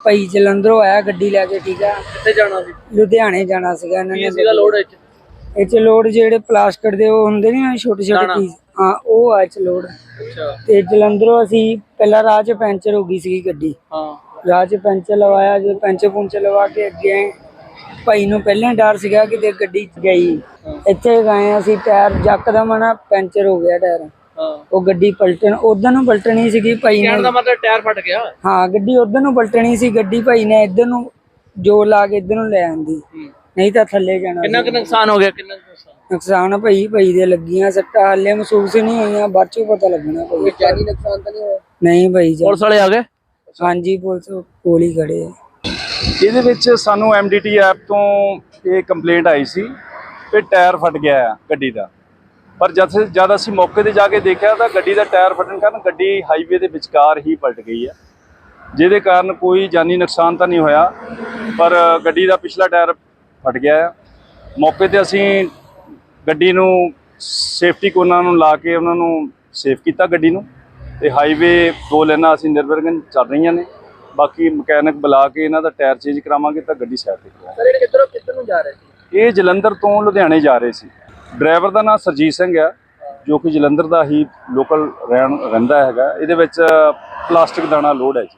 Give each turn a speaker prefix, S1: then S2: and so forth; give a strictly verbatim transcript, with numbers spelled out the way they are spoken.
S1: ਭਾਈ ਜਲੰਧਰੋਂ ਆਇਆ ਗੱਡੀ ਲੈ ਕੇ। ਠੀਕ ਆ,
S2: ਕਿੱਥੇ ਜਾਣਾ ਸੀ?
S1: ਲੁਧਿਆਣੇ ਜਾਣਾ ਸੀਗਾ ਇਹਨਾਂ ਨੇ।
S2: ਕੀ ਸੀਗਾ ਲੋਡ ਵਿੱਚ?
S1: ਇਹ ਚ ਲੋਡ ਜਿਹੜੇ ਪਲਾਸਟਿਕ ਦੇ ਉਹ ਹੁੰਦੇ ਨੇ ਛੋਟੇ ਛੋਟੇ ਪੀਸ, ਹਾਂ ਉਹ ਆ ਚ ਲੋਡ।
S2: ਅੱਛਾ।
S1: ਤੇ ਜਲੰਧਰੋਂ ਅਸੀਂ ਪਹਿਲਾਂ ਰਾਹ ਚ ਪੈਂਚਰ ਹੋ ਗਈ ਸੀ ਗੱਡੀ।
S2: ਹਾਂ।
S1: ਰਾਹ ਚ ਪੈਂਚਰ ਲਵਾਇਆ, ਜਦੋਂ ਪੈਂਚਰ ਪੁੰਚਰ ਲਵਾ ਕੇ ਅੱਗੇ ਆਏ, ਭਾਈ ਨੂੰ ਪਹਿਲਾਂ ਡਰ ਸੀਗਾ ਕਿ ਗੱਡੀ ਗਈ। ਇੱਥੇ ਗਏ ਅਸੀਂ, ਟਾਇਰ ਯਕਦਮ ਨਾ ਪੈਂਚਰ ਹੋ ਗਿਆ ਟਾਇਰ। ਉਹ ਗੱਡੀ ਪਲਟਣ ਉਧਰ ਨੂੰ ਪਲਟਣੀ ਸੀਗੀ ਭਾਈ ਨੇ।
S2: ਕਹਿਣ ਦਾ ਮਤਲਬ ਟਾਇਰ ਫਟ ਗਿਆ? ਹਾਂ,
S1: ਗੱਡੀ ਉਧਰ ਨੂੰ ਪਲਟਣੀ ਸੀ। ਗੱਡੀ ਭਾਈ ਨੇ ਇੱਧਰ ਨੂੰ ਜੋਰ ਲਾ ਕੇ ਇੱਧਰ ਨੂੰ ਲੈ ਆਂਦੀ, ਨਹੀਂ ਤਾਂ ਥੱਲੇ ਜਾਣਾ।
S2: ਕਿੰਨਾ ਕੁ ਨੁਕਸਾਨ ਹੋ ਗਿਆ? ਕਿੰਨਾ ਨੁਕਸਾਨ?
S1: ਨੁਕਸਾਨ ਭਾਈ ਭਾਈ ਦੇ ਲੱਗੀਆਂ ਸੱਟਾਂ, ਹਾਲੇ ਮਹਿਸੂਸ ਨਹੀਂ ਹੋਈਆਂ, ਬਾਅਦ ਚੋਂ ਪਤਾ ਲੱਗਣਾ। ਭਾਈ
S2: ਜਾਨੀ ਨੁਕਸਾਨ ਤਾਂ ਨਹੀਂ ਹੋਇਆ?
S1: ਨਹੀਂ ਭਾਈ।
S2: ਪੁਲਿਸ ਵਾਲੇ ਆ ਗਏ?
S1: ਹਾਂਜੀ, ਪੁਲਿਸ ਕੋਲ ਹੀ ਖੜੇ ਆ।
S3: ਇਹਦੇ ਵਿੱਚ ਸਾਨੂੰ ਐਮ ਡੀ ਟੀ ਐਪ ਤੋਂ ਇਹ ਕੰਪਲੇਂਟ ਆਈ ਸੀ ਕਿ ਟਾਇਰ ਫਟ ਗਿਆ ਆ ਗੱਡੀ ਦਾ। ਪਰ ਜਦ ਜਦ ਅਸੀਂ ਮੌਕੇ 'ਤੇ ਜਾ ਕੇ ਦੇਖਿਆ ਤਾਂ ਗੱਡੀ ਦਾ ਟਾਇਰ ਫਟਣ ਕਾਰਨ ਗੱਡੀ ਹਾਈਵੇ ਦੇ ਵਿਚਕਾਰ ਹੀ ਪਲਟ ਗਈ ਹੈ, ਜਿਹਦੇ ਕਾਰਨ ਕੋਈ ਜਾਨੀ ਨੁਕਸਾਨ ਤਾਂ ਨਹੀਂ ਹੋਇਆ, ਪਰ ਗੱਡੀ ਦਾ ਪਿਛਲਾ ਟਾਇਰ ਫਟ ਗਿਆ ਆ। ਮੌਕੇ 'ਤੇ ਅਸੀਂ ਗੱਡੀ ਨੂੰ ਸੇਫਟੀ ਕੋਨਾਂ ਨੂੰ ਲਾ ਕੇ ਉਹਨਾਂ ਨੂੰ ਸੇਫ ਕੀਤਾ ਗੱਡੀ ਨੂੰ, ਤੇ ਹਾਈਵੇ ਦੋ ਲਾਈਨਾਂ ਅਸੀਂ ਨਿਰਵਿਘਨ ਚੱਲ ਰਹੀਆਂ ਨੇ। ਬਾਕੀ ਮਕੈਨਿਕ ਬੁਲਾ ਕੇ ਇਹਨਾਂ ਦਾ ਟਾਇਰ ਚੇਂਜ ਕਰਾਵਾਂਗੇ ਤਾਂ ਗੱਡੀ ਸਾਈਡ ਤੇ ਕਰਾਂਗੇ।
S2: ਸਰ ਇਹ ਕਿੱਧਰੋਂ ਕਿੱਧਰ ਨੂੰ ਜਾ ਰਹੇ ਸੀ?
S3: ਇਹ ਜਲੰਧਰ ਤੋਂ ਲੁਧਿਆਣੇ ਜਾ ਰਹੇ ਸੀ। ਡਰਾਈਵਰ ਦਾ ਨਾਮ ਸਰਜੀਤ ਸਿੰਘ ਆ, ਜੋ ਕਿ ਜਲੰਧਰ ਦਾ ਹੀ ਲੋਕਲ ਰਹਿਣ ਰਹਿੰਦਾ ਹੈਗਾ। ਇਹਦੇ ਵਿੱਚ ਪਲਾਸਟਿਕ ਦਾਣਾ ਲੋਡ ਹੈ ਜੀ।